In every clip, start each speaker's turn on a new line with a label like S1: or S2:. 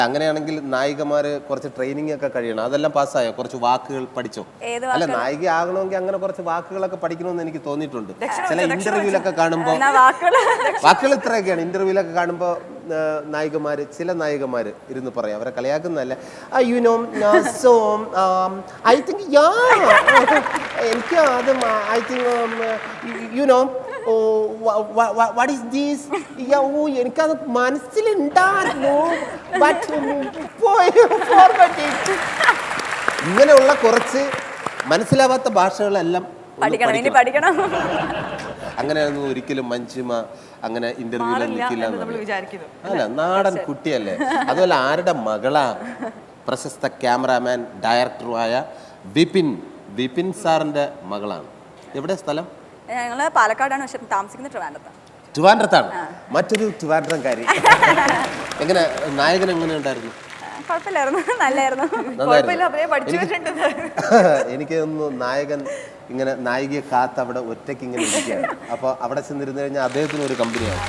S1: അങ്ങനെയാണെങ്കിൽ നായികമാര് കുറച്ച് ട്രെയിനിങ് ഒക്കെ കഴിയണം. അതെല്ലാം പാസ്സായോ? കുറച്ച് വാക്കുകൾ പഠിച്ചോ? അല്ല, നായിക ആകണമെങ്കിൽ അങ്ങനെ കുറച്ച് വാക്കുകളൊക്കെ പഠിക്കണമെന്ന് എനിക്ക് തോന്നിയിട്ടുണ്ട്. ചില ഇന്റർവ്യൂലൊക്കെ കാണുമ്പോൾ വാക്കുകൾ ഇത്രയൊക്കെയാണ്. ഇന്റർവ്യൂലൊക്കെ കാണുമ്പോൾ നായികമാര്, ചില നായികമാര് ഇരുന്ന് പറയാം, അവരെ കളിയാക്കുന്നതല്ല, സോ ഐ തിങ്ക് എനിക്ക് അത് I think what is these, എനിക്കത് മനസ്സിലുണ്ടായിരുന്നു, ഇങ്ങനെയുള്ള കുറച്ച് മനസ്സിലാവാത്ത ഭാഷകളെല്ലാം
S2: പഠിക്കണം.
S1: അങ്ങനെയൊന്നും ഒരിക്കലും മഞ്ജിമ അങ്ങനെ ഇന്റർവ്യൂവിൽ നിൽക്കില്ല. അല്ല, നാടൻ കുട്ടിയല്ലേ. അതുപോലെ ആരുടെ മകളാ? പ്രശസ്ത ക്യാമറാമാൻ ഡയറക്ടറുമായ വിപിൻ സാറിന്റെ മകളാണ്. എവിടെ സ്ഥലം?
S2: ഞങ്ങള് പാലക്കാടാണ്, പക്ഷെ താമസിക്കുന്നത്
S1: ട്രിവാൻഡ്രത്താണ്. മറ്റൊരു ട്രിവാൻഡ്രംകാരി. എങ്ങനെ നായകൻ എങ്ങനെ ഉണ്ടായിരുന്നു? എനിക്ക് തോന്നുന്നു നായകൻ ഇങ്ങനെ നായികയെ കാത്ത് അവിടെ ഒറ്റയ്ക്ക് ഇങ്ങനെ ഇരിക്കുകയാണ്. അപ്പൊ അവിടെ ചെന്നിരുന്നു കഴിഞ്ഞാൽ അദ്ദേഹത്തിന് ഒരു കമ്പനിയാണ്.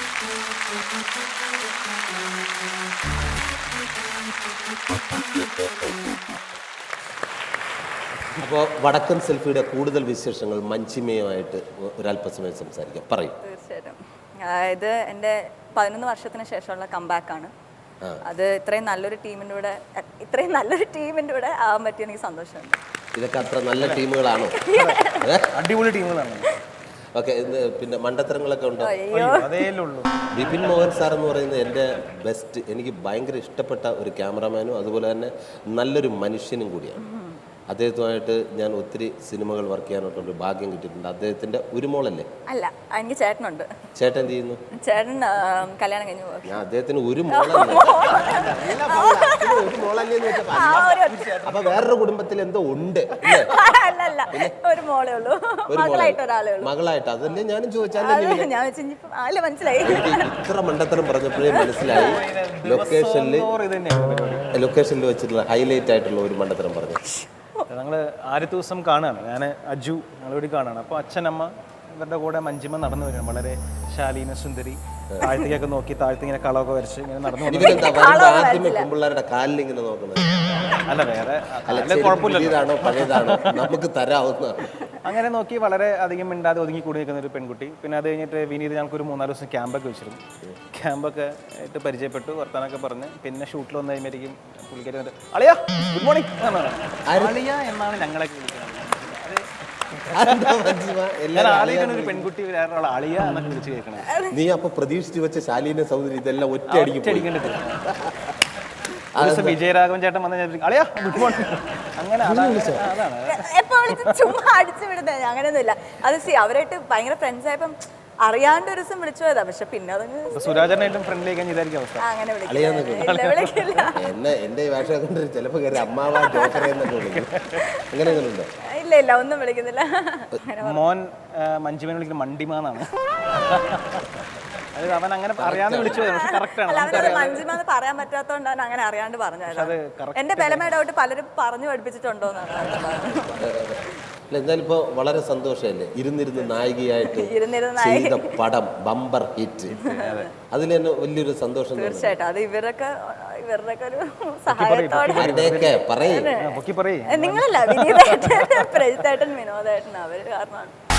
S1: അപ്പോൾ വടക്കൻ സെൽഫിയുടെ കൂടുതൽ വിശേഷങ്ങൾ മഞ്ജിമയുമായിട്ട് ഒരല്പസമയം സംസാരിക്കാം. പറയും.
S2: തീർച്ചയായിട്ടും. അതായത് എൻ്റെ 11 വർഷത്തിന് ശേഷമുള്ള കംബാക്കാണ്. അത് ഇത്രയും നല്ലൊരു ടീമിൻ്റെ കൂടെ ആവാൻ പറ്റിയ എനിക്ക് സന്തോഷമുണ്ട്.
S1: ഇതൊക്കെ അത്ര നല്ല ടീമുകളാണോ?
S3: അടിപൊളി ടീമുകളാണ്.
S1: ഓക്കെ, പിന്നെ മണ്ടത്തരങ്ങളൊക്കെ ഉണ്ട്. വിപിൻ മോഹൻ സാർ എന്ന് പറയുന്നത് എൻ്റെ ബെസ്റ്റ്, എനിക്ക് ഭയങ്കര ഇഷ്ടപ്പെട്ട ഒരു ക്യാമറാമാനും അതുപോലെ തന്നെ നല്ലൊരു മനുഷ്യനും കൂടിയാണ്. അദ്ദേഹത്തുമായിട്ട് ഞാൻ ഒത്തിരി സിനിമകൾ വർക്ക് ചെയ്യാനായിട്ടൊരു ഭാഗ്യം കിട്ടിയിട്ടുണ്ട്. അദ്ദേഹത്തിന്റെ ഒരു മോളല്ലേ?
S2: അല്ല, എനിക്ക് ചേട്ടനുണ്ട്.
S1: ചേട്ടൻ എന്ത് ചെയ്യുന്നു?
S2: ചേട്ടൻ കല്യാണം കഴിഞ്ഞു.
S1: ഞാൻ അദ്ദേഹത്തിന് ഒരു മോളല്ലേ? അപ്പൊ വേറൊരു കുടുംബത്തിൽ എന്തോ ഉണ്ട്.
S2: ഒരു മോളേ ഉള്ളൂ,
S1: മകളായിട്ട്. അതല്ലേ ഞാനും ചോദിച്ചാൽ.
S2: മനസ്സിലായി.
S1: ഇത്ര മണ്ടത്തരം പറഞ്ഞപ്പോഴേ മനസ്സിലായി. ലൊക്കേഷനിൽ വെച്ചിട്ടുള്ള ഹൈലൈറ്റ് ആയിട്ടുള്ള ഒരു മണ്ടത്തരം പറഞ്ഞു.
S3: ഞങ്ങൾ ആദ്യത്തെ ദിവസം കാണുകയാണ്, ഞാൻ അജു ഞങ്ങളിവിടെ കാണുകയാണ്. അപ്പോൾ അച്ഛനമ്മ ഇവരുടെ കൂടെ മഞ്ജിമ നടന്നു വരികയാണ്. വളരെ ശാലീന സുന്ദരി, താഴ്ത്തേക്കൊക്കെ നോക്കി, താഴ്ത്തിങ്ങനെ കളമൊക്കെ വരച്ച് ഇങ്ങനെ നടന്നു.
S1: പിള്ളേരുടെ കാലിൽ ഇങ്ങനെ നോക്കുന്നത്
S3: അല്ല, വേറെ
S1: കുഴപ്പമില്ലതാണോ പഴയതാണോ നമുക്ക് തരാവുന്ന.
S3: അങ്ങനെ നോക്കി വളരെ അധികം മിണ്ടാതെ ഒതുങ്ങി കൂടി നിൽക്കുന്ന ഒരു പെൺകുട്ടി. പിന്നെ അത് കഴിഞ്ഞിട്ട് വിനീത് ഞങ്ങൾക്കൊരു 3-4 ദിവസം ക്യാമ്പൊക്കെ വെച്ചിരുന്നു. ക്യാമ്പൊക്കെ ആയിട്ട് പരിചയപ്പെട്ടു, വർത്താനൊക്കെ പറഞ്ഞ് പിന്നെ ഷൂട്ടിൽ വന്നു കഴിയുമ്പോഴേക്കും പുള്ളിക്കാരി വന്നിട്ട് അളിയാ ഗുഡ് മോർണിംഗ് അളിയ എന്നാണ് ഞങ്ങളൊക്കെ വിളിക്കുന്നത്. ഒരു പെൺകുട്ടി വേറെ അളിയ എന്നൊക്കെ വിളിച്ച് കേൾക്കണം.
S1: നീ അപ്പൊ പ്രതീക്ഷിച്ചു വെച്ച ശാലീന സൗന്ദര്യം ഇതെല്ലാം ഒറ്റ അടിക്കേണ്ടിട്ട്.
S3: വിജയരാഘവൻ ചേട്ടൻ വന്ന അളിയാ ഗുഡ് മോർണിംഗ് അങ്ങനെ
S2: ചുമ്മാ അടിച്ചു വിടുന്നത് അങ്ങനെയൊന്നുമില്ല. അത് അവരായിട്ട് ഭയങ്കര ഫ്രണ്ട്സ് ആയപ്പം അറിയാണ്ട് ഒരു ദിവസം വിളിച്ചു പോയതാ. പക്ഷെ പിന്നെ
S3: സുരാജനായിട്ടും ഫ്രണ്ട്ലി ഇതായിരിക്കും അവസ്ഥ.
S2: അങ്ങനെ
S1: എന്റെ ഭാഷ കൊണ്ട് ചിലപ്പോ അമ്മാവാ ജോക്കറെ എന്നൊക്കെ വിളിക്കും. അങ്ങനെയൊന്നുണ്ടോ?
S2: ഇല്ല, ഒന്നും വിളിക്കുന്നില്ല.
S3: മോൻ മഞ്ജിമനെ വിളിക്കുന്നത് മണ്ടിമാന്നാണ്. അവൻ അങ്ങനെ അറിയാതെ വിളിച്ചു പോയത്. പക്ഷെ കറക്റ്റാണ്.
S2: മഞ്ജിമാന്ന് പറയാൻ പറ്റാത്തോണ്ടാണ് അങ്ങനെ അറിയാണ്ട് പറഞ്ഞത്. എന്റെ ബലമായ ഡൗട്ട് പലരും പറഞ്ഞു പഠിപ്പിച്ചിട്ടുണ്ടോന്നാണ്.
S1: എന്തായാലും ഇപ്പൊ വളരെ സന്തോഷമല്ലേ ഇരുന്നിരുന്ന് നായികയായിട്ട് ചെയ്ത പടം ബമ്പർ ഹിറ്റ്. അതിൽ തന്നെ വലിയൊരു സന്തോഷം.
S2: തീർച്ചയായിട്ടും അത് ഇവരുടെ ഒരു സഹായത്തോടെ.
S3: നിങ്ങളല്ല
S2: വിനീതേട്ടൻ, പ്രജിത്തേട്ടൻ, വിനോദേട്ടൻ അവര് കാരണമാണ്.